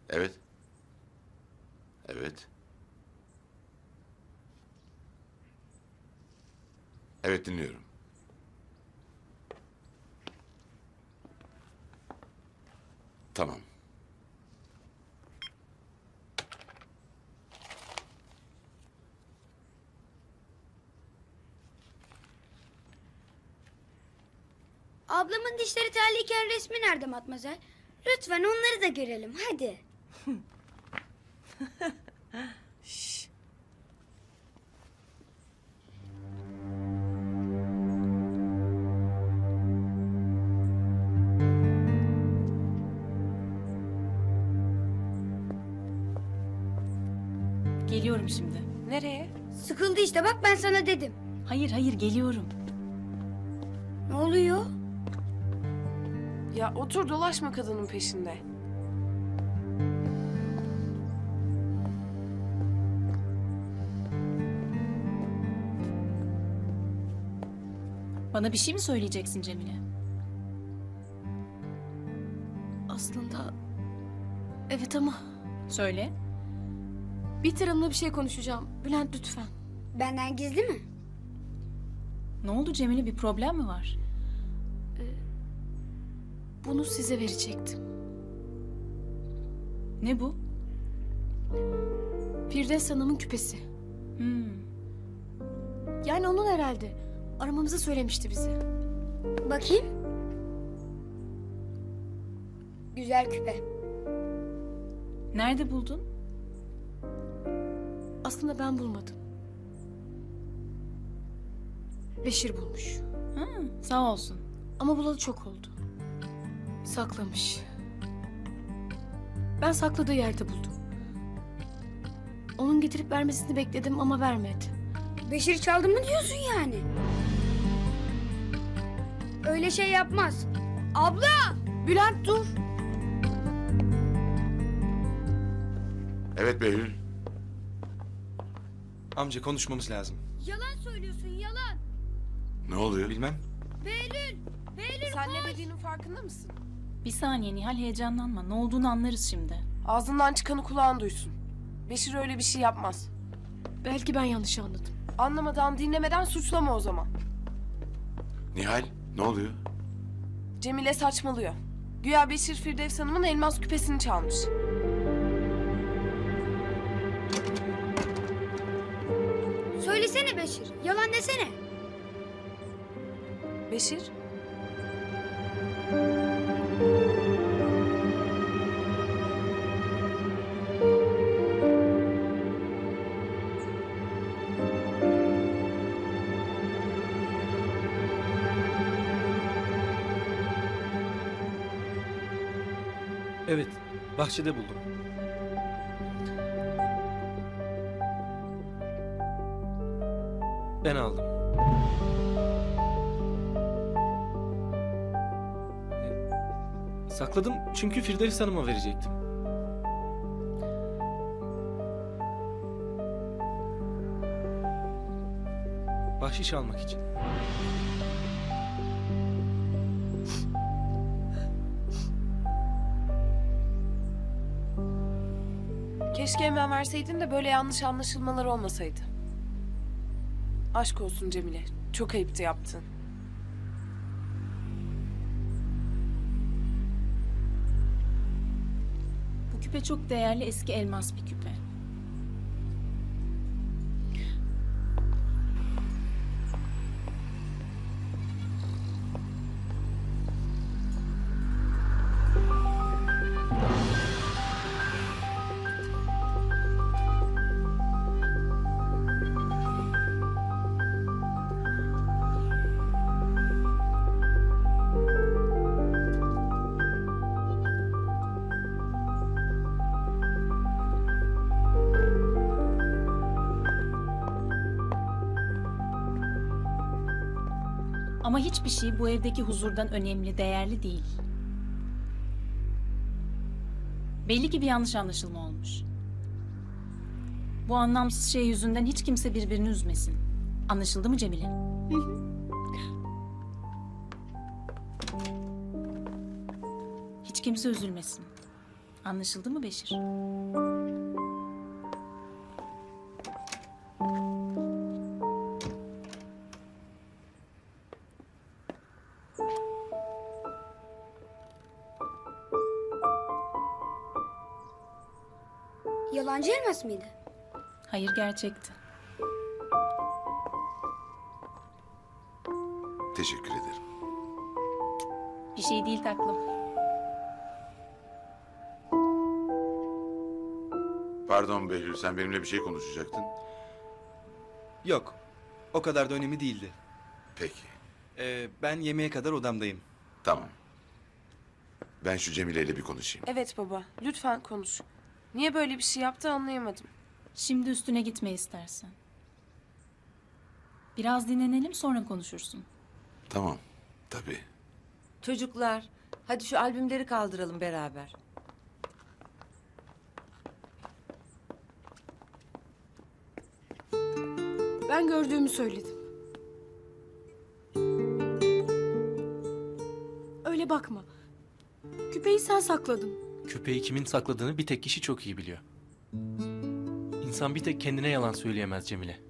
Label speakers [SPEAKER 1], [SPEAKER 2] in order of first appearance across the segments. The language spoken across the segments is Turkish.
[SPEAKER 1] Evet. Evet. Evet, dinliyorum. Tamam.
[SPEAKER 2] Ablamın dişleri terliyken resmi nerede Matmazel? Lütfen onları da görelim hadi.
[SPEAKER 3] Geliyorum şimdi.
[SPEAKER 4] Nereye?
[SPEAKER 2] Sıkıldı işte bak ben sana dedim.
[SPEAKER 3] Hayır hayır geliyorum.
[SPEAKER 2] Ne oluyor?
[SPEAKER 4] Ya otur dolaşma kadının peşinde.
[SPEAKER 3] Bana bir şey mi söyleyeceksin Cemile?
[SPEAKER 5] Aslında evet ama
[SPEAKER 3] Söyle.
[SPEAKER 5] Bihter Hanım'la bir şey konuşacağım. Bülent lütfen.
[SPEAKER 2] Benden gizli mi?
[SPEAKER 3] Ne oldu Cemile, bir problem mi var?
[SPEAKER 5] Bunu size verecektim.
[SPEAKER 3] Ne bu?
[SPEAKER 5] Firdevs Hanım'ın küpesi.
[SPEAKER 3] Hmm.
[SPEAKER 5] Yani onun herhalde. Aramamızı söylemişti bize.
[SPEAKER 2] Bakayım. Güzel küpe.
[SPEAKER 3] Nerede buldun?
[SPEAKER 5] Aslında ben bulmadım. Beşir bulmuş.
[SPEAKER 3] Ha, sağ olsun.
[SPEAKER 5] Ama bulalı çok oldu. Saklamış. Ben sakladığı yerde buldum. Onun getirip vermesini bekledim ama vermedi.
[SPEAKER 2] Beşir çaldı mı diyorsun yani? Öyle şey yapmaz. Abla!
[SPEAKER 5] Bülent dur.
[SPEAKER 1] Evet Behlül.
[SPEAKER 6] Amca konuşmamız lazım.
[SPEAKER 2] Yalan söylüyorsun yalan.
[SPEAKER 1] Ne oluyor?
[SPEAKER 6] Bilmem.
[SPEAKER 2] Behlül! Behlül
[SPEAKER 4] Sen ne dediğinin farkında mısın?
[SPEAKER 3] Bir saniye Nihal, heyecanlanma. Ne olduğunu anlarız şimdi.
[SPEAKER 4] Ağzından çıkanı kulağın duysun. Beşir öyle bir şey yapmaz.
[SPEAKER 5] Belki ben yanlış anladım.
[SPEAKER 4] Anlamadan, dinlemeden suçlama o zaman.
[SPEAKER 1] Nihal, ne oluyor?
[SPEAKER 4] Cemile saçmalıyor. Güya Beşir Firdevs Hanım'ın elmas küpesini çalmış.
[SPEAKER 2] söylesene Beşir. Yalan desene.
[SPEAKER 4] Beşir?
[SPEAKER 6] Evet, bahçede buldum. Ben aldım. Sakladım çünkü Firdevs Hanım'a verecektim. Bahşiş almak için.
[SPEAKER 4] Keşke hemen verseydin de böyle yanlış anlaşılmalar olmasaydı. Aşk olsun Cemile. Çok ayıptı yaptın.
[SPEAKER 3] Bu küpe çok değerli, eski elmas bir küpe. Ama hiçbir şey bu evdeki huzurdan önemli, değerli değil. Belli ki bir yanlış anlaşılma olmuş. Bu anlamsız şey yüzünden hiç kimse birbirini üzmesin. Anlaşıldı mı Cemile? Hiç kimse üzülmesin. Anlaşıldı mı Beşir?
[SPEAKER 2] Yalancı elmas mıydı?
[SPEAKER 3] Hayır, gerçekti.
[SPEAKER 1] Teşekkür ederim.
[SPEAKER 3] Bir şey değil taklım.
[SPEAKER 1] Pardon Behlül, sen benimle bir şey konuşacaktın.
[SPEAKER 6] Yok. O kadar da önemli değildi.
[SPEAKER 1] Peki,
[SPEAKER 6] Ben yemeğe kadar odamdayım.
[SPEAKER 1] tamam. Ben şu Cemile ile bir konuşayım.
[SPEAKER 4] Evet baba, lütfen konuş. Niye böyle bir şey yaptı anlayamadım.
[SPEAKER 3] Şimdi üstüne gitme istersen. Biraz dinlenelim, sonra konuşursun.
[SPEAKER 1] Tamam, tabii.
[SPEAKER 7] Çocuklar, hadi şu albümleri kaldıralım beraber.
[SPEAKER 5] Ben gördüğümü söyledim. Öyle bakma. Küpeyi sen sakladın.
[SPEAKER 8] Küpeyi kimin sakladığını bir tek kişi çok iyi biliyor. İnsan bir tek kendine yalan söyleyemez Cemile.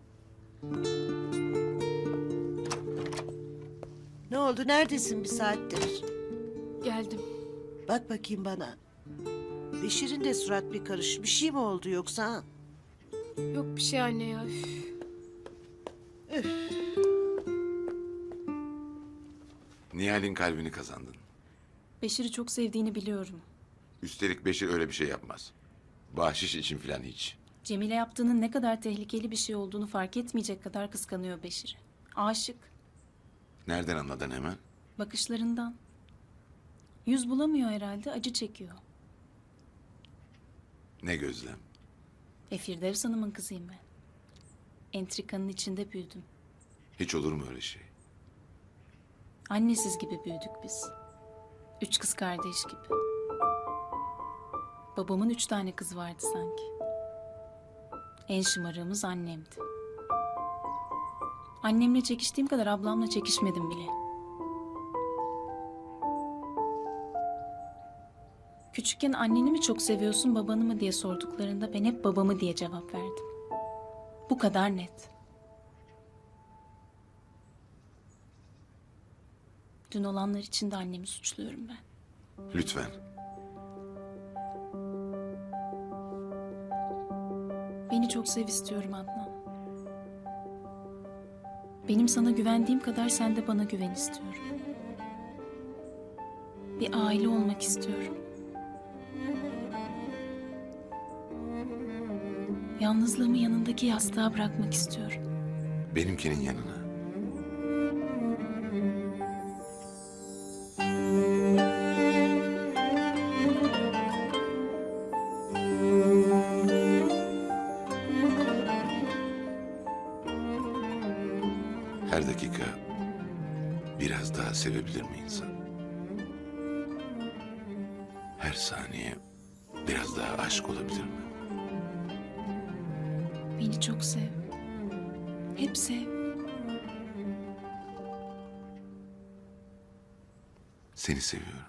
[SPEAKER 9] Ne oldu? Neredesin bir saattir?
[SPEAKER 5] Geldim.
[SPEAKER 9] Bak bakayım bana. Beşir'in de surat bir karış. Bir şey mi oldu yoksa? Ha?
[SPEAKER 5] Yok bir şey anne ya. Üf.
[SPEAKER 1] Nihal'in kalbini kazandın.
[SPEAKER 3] Beşir'i çok sevdiğini biliyorum.
[SPEAKER 1] Üstelik Beşir öyle bir şey yapmaz. Bahşiş için filan hiç.
[SPEAKER 3] Cemile yaptığının ne kadar tehlikeli bir şey olduğunu fark etmeyecek kadar kıskanıyor Beşir'i. Aşık.
[SPEAKER 1] Nereden anladın hemen?
[SPEAKER 3] Bakışlarından. Yüz bulamıyor herhalde, acı çekiyor.
[SPEAKER 1] Ne gözlem?
[SPEAKER 3] Firdevs Hanım'ın kızıyım ben. Entrikanın içinde büyüdüm.
[SPEAKER 1] Hiç olur mu öyle şey?
[SPEAKER 3] Annesiz gibi büyüdük biz. 3 kız kardeş gibi. Babamın 3 tane kızı vardı sanki. En şımarığımız annemdi. Annemle çekiştiğim kadar ablamla çekişmedim bile. Küçükken anneni mi çok seviyorsun, babanı mı diye sorduklarında ben hep babamı diye cevap verdim. Bu kadar net. Dün olanlar için de annemi suçluyorum ben.
[SPEAKER 1] Lütfen.
[SPEAKER 3] Beni çok sev istiyorum Adnan. Benim sana güvendiğim kadar sen de bana güven istiyorum. Bir aile olmak istiyorum. Yalnızlığımı yanındaki yastığa bırakmak istiyorum.
[SPEAKER 1] Benimkinin yanına. Her dakika biraz daha sevebilir mi insan? Her saniye biraz daha aşk olabilir mi?
[SPEAKER 3] Beni çok sev. Hep sev.
[SPEAKER 1] Seni seviyorum.